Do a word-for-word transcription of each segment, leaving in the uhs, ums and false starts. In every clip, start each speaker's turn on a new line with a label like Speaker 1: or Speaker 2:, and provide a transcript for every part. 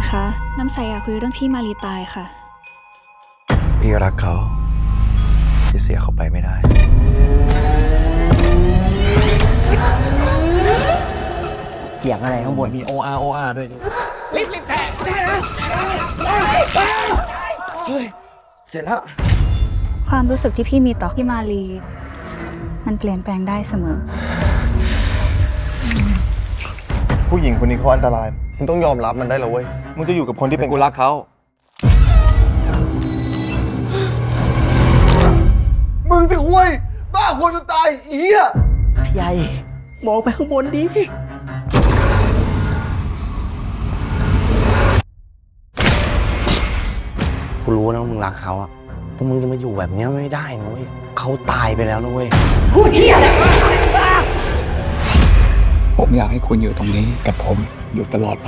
Speaker 1: คะ น้ำใสอยากคุยเรื่องพี่มารีตายค่ะ
Speaker 2: พี่รักเขาที่เสียเขาไปไม่ได้
Speaker 3: เสียงอะไรข้างบน
Speaker 4: มี โอ อาร์ โอ อาร์ ด้วยดิรีบรีบแทงเฮ้ย เสร็จแล้ว
Speaker 1: ความรู้สึกที่พี่มีต่อพี่มารีมันเปลี่ยนแปลงได้เสมอ
Speaker 2: ผู้หญิงคนนี้เขาอันตรายมึงต้องยอมรับมันได้แล้วเว้ยมึงจะอยู่กับคนที่เป็นกูรักเขามึงจะคุยบ้าคนจนตายอีเหี้ย
Speaker 3: ใหญ่มองไปข้างบนดิ
Speaker 4: กูรู้นะว่ามึงรักเขาอะแต่มึงจะมาอยู่แบบนี้ไม่ได้นะเว้ยเขาตายไปแล้วนะเว้ย
Speaker 5: ผมอยากให้คุณอยู่ตรงนี้กับผมอยู่ตลอดไป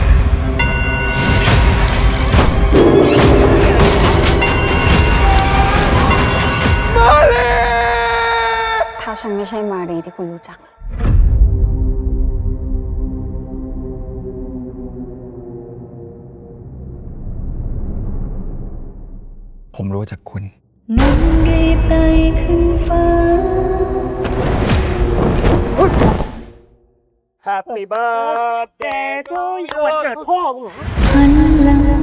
Speaker 6: ถ้าฉันไม่ใช่มารีที่คุณรู้จัก
Speaker 5: ผมรู้จักคุณ
Speaker 7: มันรีบไต่ขึ้นฟ้า
Speaker 3: Happy birthday to you วันเกิดพ่อมึงเหรอ
Speaker 7: หันหลัง